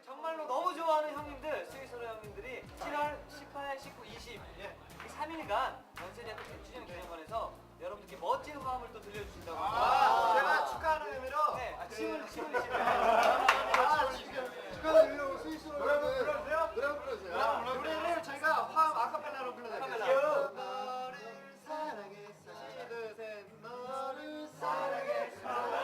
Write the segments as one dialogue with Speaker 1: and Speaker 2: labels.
Speaker 1: 정말로 너무 좋아하는 형님들, 스위스로 형님들이 7월 18, 19, 20 이 3일간 연세대학교 100주년 기념관에서 여러분들께 멋진 화음을 또 들려주신다고 합니다.
Speaker 2: 제가 축하하는 의미로
Speaker 1: 네, 침을
Speaker 2: 축하하는 의미로 스위스로
Speaker 3: 노래 한번 불러주세요.
Speaker 2: 노래 한번 불러주세요.
Speaker 3: 노래를 저희가 화음 아카펠라로 불러드릴게요.
Speaker 2: 너를 사랑했어. 하나 둘 셋. 너를 사랑했어.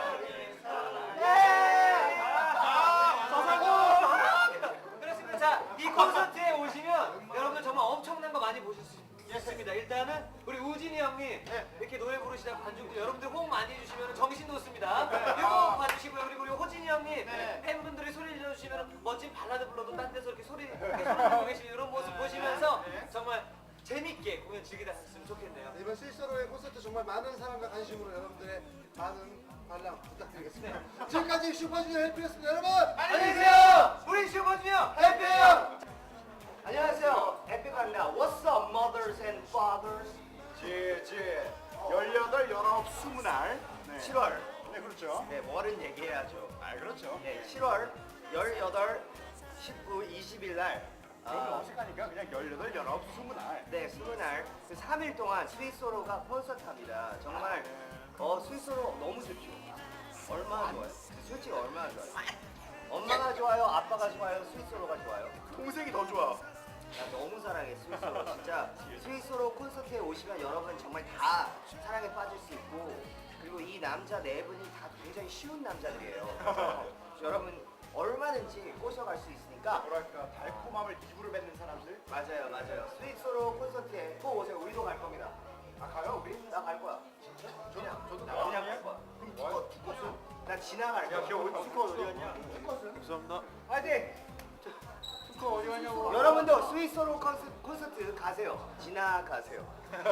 Speaker 1: 그렇습니다. 자, 이 콘서트에 오시면 여러분들 정말 엄청난 거 많이 보실 수 있습니다. 일단은 우리 우진이 형님 이렇게 노래 부르시다 관중들 여러분들 호응 많이 해주시면 정신 돋습니다. 이거 봐주시고요. 그리고 우리 호진이 형님 팬분들이 소리 질러주시면 멋진 발라드 불러도 딴 데서 이렇게 소리 내고 계시는 이런 모습 보시면서 정말 재밌게 공연 즐기셨으면 좋겠네요.
Speaker 2: 이번 스위스로의 콘서트 정말 많은 사랑과 관심으로 여러분들의 많은 관람 부탁드리겠습니다. 지금까지 슈퍼주니어 해피였습니다. 여러분
Speaker 1: 안녕히 계세요. 우리 슈퍼주니어
Speaker 2: 해피해요.
Speaker 3: 안녕하세요. 해피가 아니라 What's up mothers and fathers?
Speaker 4: 18, 19, 20날 7월. 네, 그렇죠.
Speaker 3: 네, 뭐를 얘기해야죠.
Speaker 4: 아, 그렇죠.
Speaker 3: 네, 7월 18, 19, 20일 날
Speaker 4: 너무 어색하니까 그냥 18, 19, 20날.
Speaker 3: 네, 20날 그 3일 동안 스위스로가 콘서트합니다. 정말 스위스로 너무 좋죠. 얼마나 좋아요? 솔직히 얼마나 좋아요? 엄마가 좋아요? 아빠가 좋아요? 스위스로가 좋아요?
Speaker 4: 동생이 더 좋아.
Speaker 3: 나 너무 사랑해 스위스로. 진짜 스위스로 콘서트에 오시면 여러분 정말 다 사랑에 빠질 수 있고, 그리고 이 남자 네 분이 다 굉장히 쉬운 남자들이에요. 그래서 여러분 얼마든지 꼬셔갈 수 있으니까.
Speaker 4: 뭐랄까, 달콤함을 입으로 뱉는 사람들.
Speaker 3: 맞아요, 맞아요. 스위스로 콘서트에 꼭 오세요. 우리도 갈 겁니다.
Speaker 4: 아, 가요, 우리?
Speaker 3: 나 갈 거야.
Speaker 4: 저도
Speaker 3: 나 그냥 갈 거야.
Speaker 4: 그럼 투컷, 투컷은?
Speaker 3: 나 지나갈 거야.
Speaker 4: 야, 걔 어디 투컷 어디 갔냐?
Speaker 3: 투컷은?
Speaker 4: 감사합니다.
Speaker 3: 화이팅!
Speaker 4: 투컷 어디 갔냐고.
Speaker 3: 여러분도 스위스로 콘서트 가세요. 지나가세요.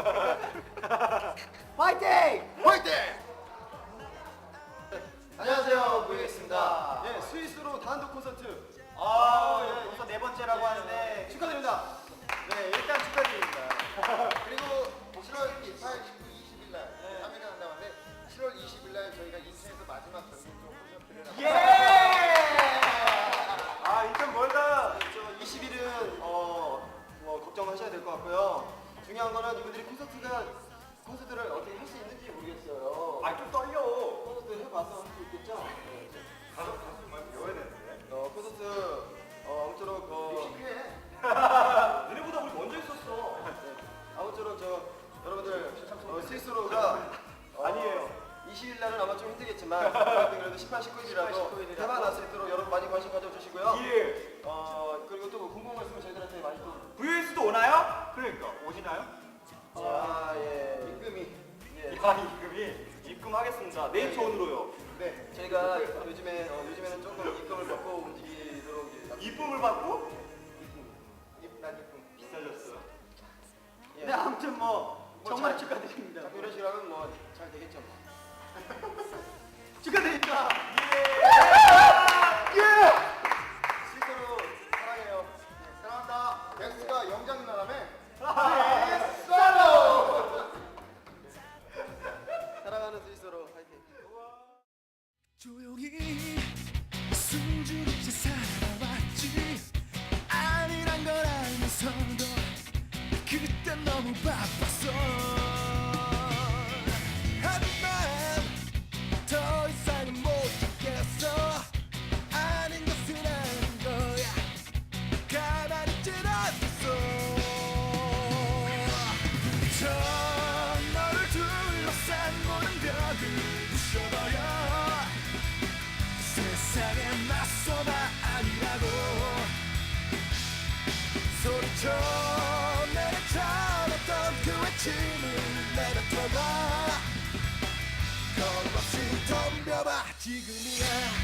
Speaker 3: 화이팅!
Speaker 4: 화이팅!
Speaker 2: 안녕하세요. 보이겠습니다.
Speaker 4: 네, 스위스로 단독 콘서트.
Speaker 3: 예, 벌써 네 번째라고 하는데
Speaker 4: 축하드립니다.
Speaker 2: 네, 일단 축하드립니다. 그리고 7월 18, 19, 20일 날 3일간 한다는데 7월 20일 날 저희가 인천에서 마지막 전국으로 콘서트를 합니다.
Speaker 4: 아, 인천 멀다. 20일은 뭐 걱정하셔야 될 것 같고요. 중요한 거는 이분들이 콘서트를 어떻게 할 수 있는지 모르겠어요. 아, 좀 떨려. 콘서트 해봐서 할 수 있겠죠? 네. 가수 말고 배워야 되는데. 콘서트 아무쪼록 너네보다 우리 먼저 있었어. 아무쪼록 여러분들 스위스로가 아니에요. 20일 날은 아마 좀 힘들겠지만 그래도 18, 19일이라도 대박 날 수 있도록 여러분 많이 관심 가져주시고요. 예. 그리고 또 궁금한 거 있으면 저희들한테 많이 또
Speaker 3: VS도 오나요?
Speaker 4: 그러니까 오시나요?
Speaker 2: 아, 예. 입금이.
Speaker 4: 야, 입금하겠습니다. 네이트온으로요.
Speaker 2: 네.
Speaker 4: 저희가 요즘에는 조금 입금을 받고 움직이도록
Speaker 3: 이쁨을 받고?
Speaker 2: 난 입금.
Speaker 4: 비싸졌어.
Speaker 2: 예.
Speaker 3: 네, 아무튼 정말 축하드립니다.
Speaker 2: 자꾸 이런 식으로 하면 뭐 잘 되겠죠. 뭐.
Speaker 3: 축하드립니다.
Speaker 2: 스위스로 사랑해요. 네, 사랑한다. 덱스가 영장님 나라며? 사랑하는 스위스로 화이팅.
Speaker 5: 조용히 숨죽이지 살아왔지 아니란 걸 알면서도 그땐 너무 바빴어 하지만 더 이상은 못 참겠어 아닌 것은 아닌 거야 가만히 있진 않겠어 저 너를 둘러싼 모든 벽을 부셔버려 세상에 맞서봐 아니라고 소리쳐 내려쳐놨던 그 외침을 내뱉어봐 겁없이 덤벼봐 지금이야